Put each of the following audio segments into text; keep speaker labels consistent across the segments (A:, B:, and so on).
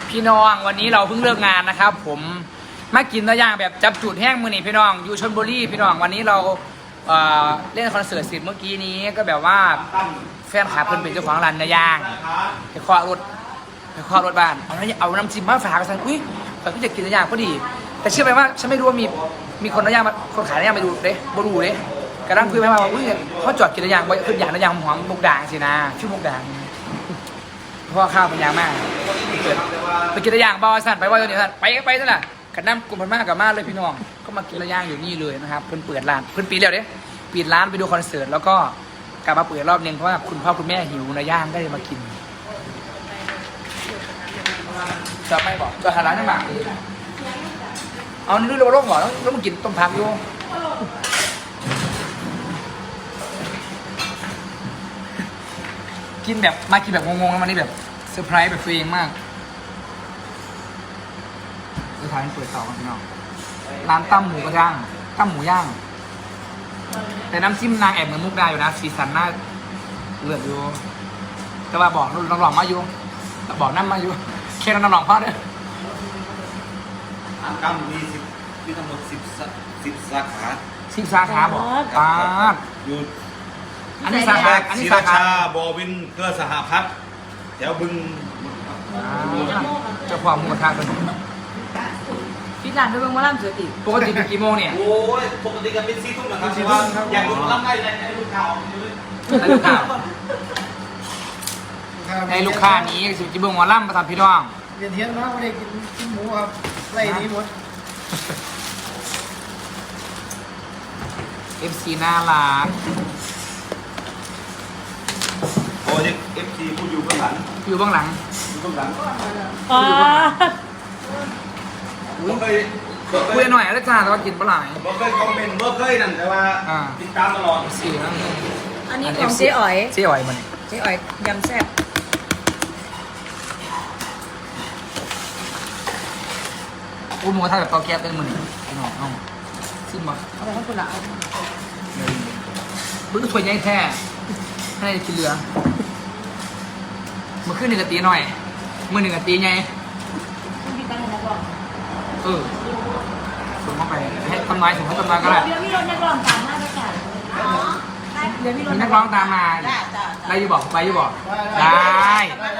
A: พี่น้องวันนี้เราเพิ่งเลิกงานนะครับผมมากินตัวอย่างแบบจับจุดแห้งมือนี่พี่น้องอยู่ชลบุรีพี่น้องวันนี้เราเล่นคอนเสิร์ตเสร็จเมื่อกี้นี้ก็แบบว่าแฟนคลับเพิ่นเป็นเจ้าของร้านเนื้อย่างไปเคาะรถบ้านเอาน้ำจิ้มมาฝากกันอุ้ยผมก็จะกินเนื้อย่างพอดีแต่เชื่อไหมว่าฉันไม่รู้ว่ามีคนเนื้อย่างมาคนขายเนื้อย่างมาดูเด้บ่รู้เด้กระดังคุยไปว่าอุ้ยเขาจอดกินเนื้อย่างไว้คืออย่างเนื้อย่างหอมมุกด่างสินะชื่อมุกด่างเพราะข้าวเป็นยางมากไปกินระย่างบอสั่นไปว่าตัวนี้สั่นไปนั่นแหละกันน้ำกลุ่มพันมากกับมากเลยพี่น้องก็มากินระย่างอยู่นี่เลยนะครับเพิ่นเปิดร้านเพิ่นปิดแล้วเด้ปิดร้านไปดูคอนเสิร์ตแล้วก็กลับมาเปิดรอบนึงเพราะว่าคุณพ่อคุณแม่หิวระย่างก็เลยมากินจะไม่บอกจะหาร้านน้ำหมากเอานี่ดูโลกหมอแล้วมากินต้มผักอยู่กินแบบมากินแบบงงๆแล้ววันนี้แบบเซอร์ไพรส์แบบตัวเองมากสุดท้ายมันเปิดต่อกันพี่น้องร้านตั้มหมูกระย่างตั้มหมูย่างแต่น้ำจิ้มนางแอบเหมือนมุกดาอยู่นะสีสันน่าเลือดอยู่แต่ว่าบอกน้องหลองมาอยู่บอกน้ำมาอยู่แค่น้องหลองพ่อเนี่ย
B: ตั้มมีทั้งหมด10 สาขา
A: 10 สาขาบอกป้า
B: อยู่
A: อันนี้สาขาอันนี้สาขา
B: บอวินเพื่อสหพัฒน์แถวบึง
A: เจ้าความมูลค่าเป็น
C: พี่ร้านด้วยเมืองมาล่ำเสือติ
A: ปกติเป็นกี่โมงเนี่ย
B: โอ้ยปกติกันเป็น4 ทุ่มนะครับอยากดูล่ำได้ในลูกข่าว
A: ในลูกค้านี้สิบจีบงวอล่ำมาทำพี่น้อง
D: เรียนเที่ยงนะไม่ได้กินหมูครับไล่นี้หมด
A: FC น่ารัก
B: โอ้ย FC ผู้อยู่เบื้องหลัง
A: อยู่เบื้องหลังคุยหน่อยแล้วจ้าแต่ว่ากินปลาไหล
B: บ่เคยคอมเมนต์บ่เคยนั่นแต่ว่าติดตามตลอด
A: สี่นั่น
C: อันนี้ของเจ๊อ๋อย
A: มัน
C: เจ๊อ๋อยยำแซ่บ
A: หมูถ้าแบบเตาแก๊สเป็นมือน้องซิมบ่
C: เอาไปให้คุณละเอา
A: บึ้งถ้วยใหญ่แท้ให้กินเหลือมือขึ้นหนึ่งกะตีหน่อยมือหนึ่งกะตีไงส่งเข้าไปให้ต้นไม้ส่งให้ต้นไม้ก็ได้
C: เดี๋ยวมีรถนักร้องตามมาด้วยกันเดี๋ยวมี
A: นักร้องตามมาได้ยูบอกไปยูบอกได้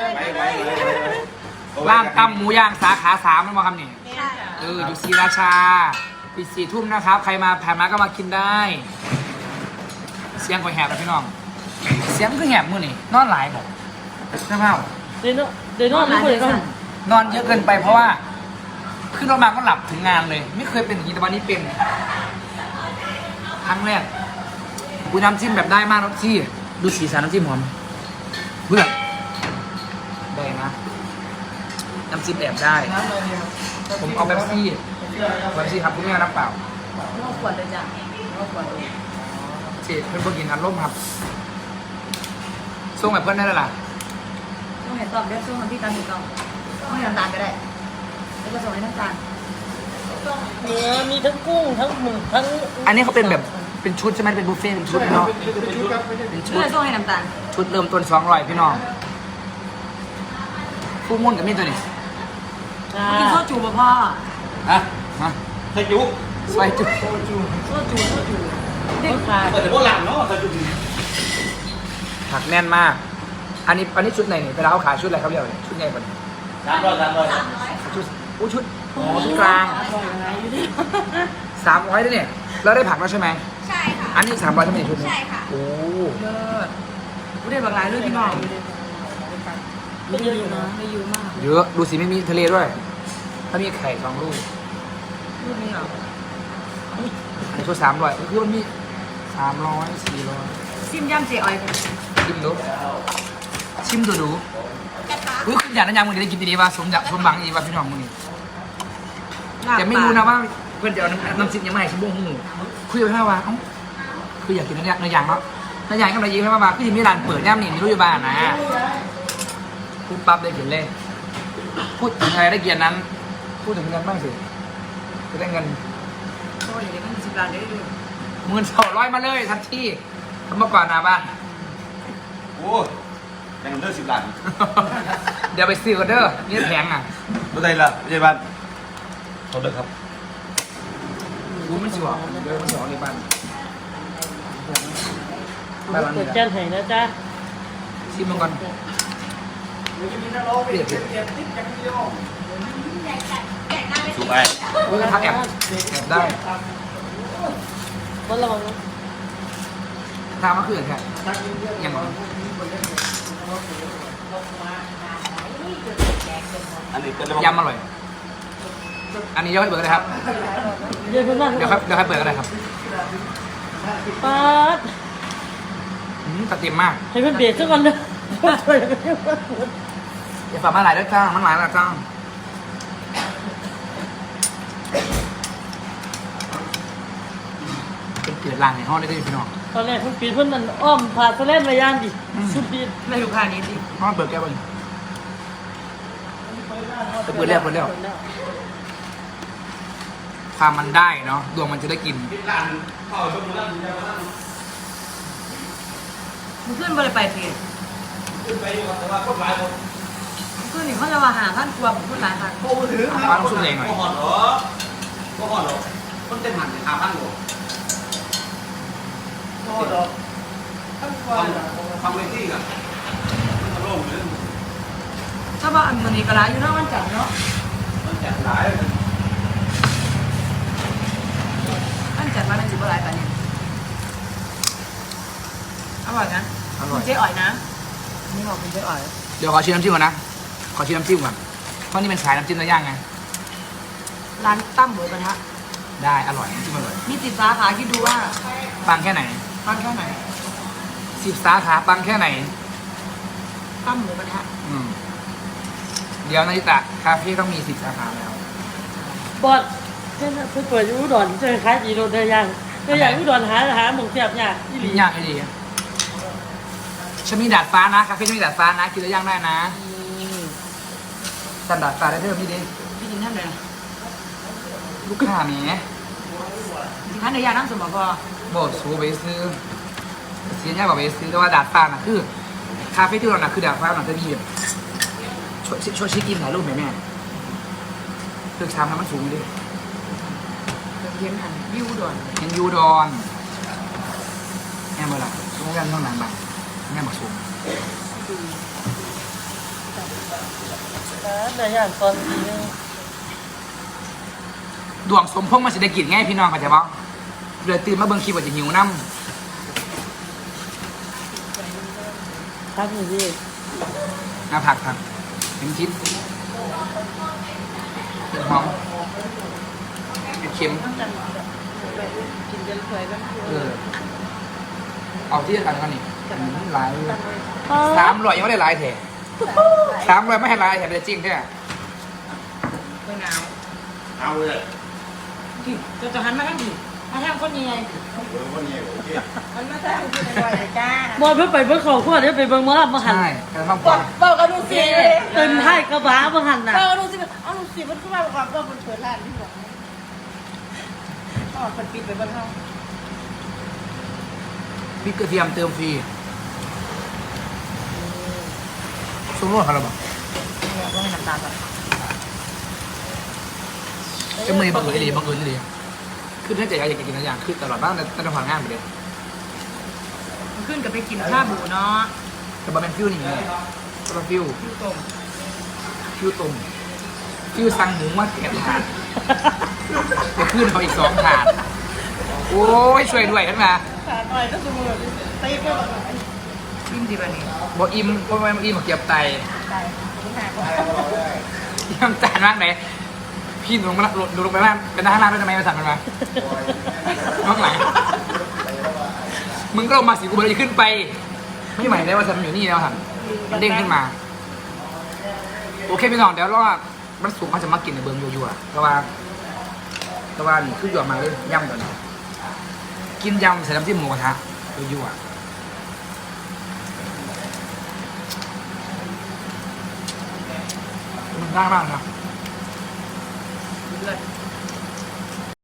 A: ร้านตำหมูย่างสาขา3นั่นมาคำนี่อยู่ศรีราชาปิด4 ทุ่มนะครับใครมาผ่านมาก็มากินได้เสียงก็แหบแล้วพี่น้องเสียงก็แหบมือนี่นอนหลายบอกใช่ไหม
C: เดี๋ยวนอนไม่เคย
A: นอนเยอะเกินไปเพราะว่าขึ้นรถมาก็หลับถึงงานเลยไม่เคยเป็นอย่างนี้แต่วันนี้เป็นครั้งแรกกูน้ำจิ้มแบบได้มากรสที่ดูสีสันน้ำจิ้มหอมเพื่อนได้นะน้ำจิ้มแอบได้ผมเอาแบบซี่ครับคุณแม่น้ำเปล่า
C: น้องขวดเลยจ้ะน้องขวดเลย
A: เจ็ดเพื่อนพวกกินอันร่มครับส่งแบบเพื่อนได้แล้วล่ะ
C: ต้องเห็นตอบเรียกส่งที่ตามถูกต้องต้องให้น้ำตาลก็ได้แล้วก็ส่งให้น้ำตาล
D: เนื้อมีทั้งกุ้งทั้งหมึกทั้ง
A: อันนี้เขาเป็นแบบเป็นชุดใช่ไหมเป็นบุฟเฟ่ต์เป็นชุดเนาะ
C: เป็นชุดส่งให้น้ำตาล
A: ชุดเริ่มต้น200พี่น้องฟูมุ่นกับมีตัวนี้
C: กินข้าวจูบพ่อ
A: มา
B: ใส่จุ
A: ใส่จุ
C: เด็กขาด
B: เปิดแต่พวกหลังเนาะใส่จุ
A: ผักแน่นมากอันนี้ชุดไหนเนี่ยเวลาเขาขายชุดอะไรครับเรียกชุดใหญ่กว่า
B: 300
A: ชุดชุดกลาง300ด้วยเนี่ยแล้วได้ผักแล้วใช่ไหม
E: ใช่ค่ะ
A: อันนี้300ใช่ไหมชุดนี้
E: ใช่ค่ะ
A: โอ้
C: เลิศกูได้บางรายเลยพี่น้องไม่เยอะอยู่นะไม่เยอะมาก
A: เยอะดูสิไม่มีทะเลด้วยถ้ามีไข่2 ลูก
C: รูปนี้เหรอ
A: ไข่ชุด300คือมันมี300 400
C: ซิมย่ำเจ๊อ้อย
A: ชิมดูอุ้ยคุณอยากนั่งยังมึงได้กินดีๆว่าสมบังอีว่าพี่น้องมึงนี่แต่ไม่รู้นะว่าเพื่อนจะเอาน้ำจิ้มยังไม่ให้ชิมบุ้งหูคุยไปแค่ว่าคืออยากกินเนื้อย่างเนาะเนื้อย่างก็เลยยิ้มให้มาคือที่มีร้านเปิดย่ำนี่มีรู้อยู่บ้านนะพูดปั๊บได้เขียนเลยพูดถึงอะไรได้เกียรตินั้นพูดถึงเงินบ้างสิจะได้เงิน
C: ก็อย่างนี้มัน10 ล้านได้เลย
A: 1200มาเลยทันทีทำมาก่อนนะบ้าน
B: โอ้ยังเลิก10 ล้าน
A: เดี๋ยวไปซื้อกันเด้อนี่แพงอ่ะ
B: รถใดล่ะพยาบาลเขาเด้อครับ
A: รู้มันสิบอกเดี๋ยวมันสองในบ้าน
D: เปิดแจ้งให้นะจ๊ะ
A: ชิมมันก่อนเปรียบเทียบ
B: สูบไป
A: โอ้ยทักแอบได้
D: บนระวังนะ
A: ทางมะเขือแค่ยัง
B: อันนี้ก็
A: ยำอร่อย อันนี้ย่อยเบิร์ดเลยครับ
D: เดี๋ยวเพื่อนบ้าน
A: เดี๋ยวค่อยเปิดก็ได้ครับ
D: ป๊าด
A: ตัดเต็มมาก
D: ให้เพื่อนเบียดสักวันเด้อ
A: อย่าฝากมาหลายด้วยจ้ามันหลายแล้วจ้าเป็นเกิดลางในห้องได้ด้วยพี่น้อง
D: ตอนแรกเพิ่นปีนเพิ่นนั่นอ้อมผ่าสะเล่นระยานดิสุดดี
C: ไม่ดูค่านี้สิ
A: ห้องเปิดแก้วไปเปิดแล้วความมันได้เนาะดวงมันจะได้กิน
C: มึงขึ้นบริไปสิ
B: ขึ้นไปอยู่แต่ว่าคนหลายคน
C: ขึ้นนี่เขาจะมาหาขั้นกลัวผมพูดหลายครั้ง
B: โอ้ถือ
A: ฟ้าต้องสู้เองหน่อย
B: ก็หอนเหรอก็หอนเหรอคนเต็มหันขาพังหรอฟังเวทีกันมันโล่งเลย
C: ถ้าว่าอันมันนี่กระไรอยู่เนาะมันจัดเนาะ
B: มันแจกหลาย
C: มันจัดมาในสิบหลายแต่เนี่ยอร่อยนะ
A: อร่อย
C: คุณเจ๊อ๋อยนะนี่บอกคุณเจ๊อ๋อย
A: เดี๋ยวขอชิมน้ำจิ้มก่อนนะ ขอชิมน้ำจิ้มก่อน เพราะนี่เป็นสายน้ำจิ้มเนื้อย่างไง
C: ร้านตั้มหมูกระทะ
A: ได้อร่อยน้ำจิ้มอร่อย
C: มีติดสาขาคิดดูว่า
A: ปังแค่ไหน
C: ปังแค่ไหน
A: 10 สาขาปังแค่ไหน
C: ตั้มหมูกระทะ
A: อืมเดี๋ยวนาริตะคาเฟ่ต้องมี10 สาขาแล้ว
D: บอดเพิ่นเปิดอยู่อุดรเจอขายดีโดนได้ยังก็อยากอุดรหาหมองเสียบยากอีหลี
A: ยากให้ดีฉันมีดาดฟ้านะคาเฟ่ฉันมีดาดฟ้านะกินแล้วย่างได้นะสั่นดาดฟ้าได้เพิ่มนี่ดิ
C: พี่กินท่านเลย
A: ลูกค้าแหม
C: ท่านในยาน้ำสมองพอ
A: บอกสูไปซื้อเสียยากกว่าไปซื้อแต่ว่าดาดฟ้าน่ะคือคาเฟ่ที่เราน่ะคือดาดฟ้าน่ะจะมีแบบช่วยชี้กินถ่ายรูปไหมแม่เลือกชามน้ำมันสูงดิ
C: เย็นหันวิวด่วน
A: เห็นยูดอนแม่เมื่อไหร่ต้องการเท่านั้นบ้างแม่บอกสูง
D: ได้ยังตอนนี้
A: ดวงสมพงษ์มันจะได้กินง่ายพี่น้องเข้าใจป่ะเดือดตื่นมาเบิ่งคลิปว่าจะหิวน้
D: ครับนี่
A: ำผักเป็นชิ้นเป็นหอมเป็นเค็ม
D: กินจนสวยกัน
A: เอาที่กันกันนี่หลาย300ยังไม่ได้หลายแถ300ไม่ให้หลายแถเป็นจริงแท้
C: เมื่อหนาว
B: เอาเลย
C: ที่จะหันมาทั้งทีมาทั้งคนยังไง
B: วันนี้โอเค
C: มันมาทั้งคนยังไงจ้า
D: บอดเพิ่นไปเบิ่งเขาขวดเดี๋ยวไปเบิ่งหมอลำมาหัน
A: ใช่การทำความ
C: เปิดกระดูกสิ
D: เต็มท้ายกระบะมาหันน่ะ
C: เปิดกระดูกสิเอาลูกสิมันขึ้นมาประกอบก็มันเปิดร้านที่หลังอ๋อคนปิดไปบนห้อง
A: พริกกระเทียมเติมฟรีซุ้มรสเขาเราบอก
C: เนี่ยก็ให้น้ำตาลแบบ
A: จะมือบังเอิญอีหลีคือถ้าเกิดอยากกินอะไรอย่างคือตลอดบ้านแต่จะผ่านงานไปเลย
C: มันขึ้นกับไปกินข้าวหมูเนาะ
A: แต่บะเป็นฟิวนี่ไงก็เป็นฟิว
C: ยูต้ม
A: ต้มฟิวสั่งหมูมาแกะถาดจะขึ้นเขาอีก2 ถาดโอ้ยช่วยด้วยขึ้นมา
D: ขาดหน่อยก็สมมุติไปก็
C: อิ่มดีป่ะนี่
A: บอกอิ่มบอกไม่อิ่มบอกเก็บไต
C: ได้คุณหาก่อน
A: ย่ำจานมากเลยพี่ลงมาลงไปบ้านเป็นทหารด้วยทำไมมาสั่งมันมาน้องหลังมึงก็ลงมาสิกูเลยขึ้นไป ไม่ใหม่ได้ว่าฉันอยู่นี่แล้วค่ะมันเด้งขึ้นมา โอเคพี่น้องเดี๋ยวรอมันสูงเขาจะมากินในเบิร์มยัวๆเพราะว่านี่คือหยวกมาเลยย่ำก่อนกินยำใส่น้ำจิ้มหมูกระทะยัวๆมันได้มากนะ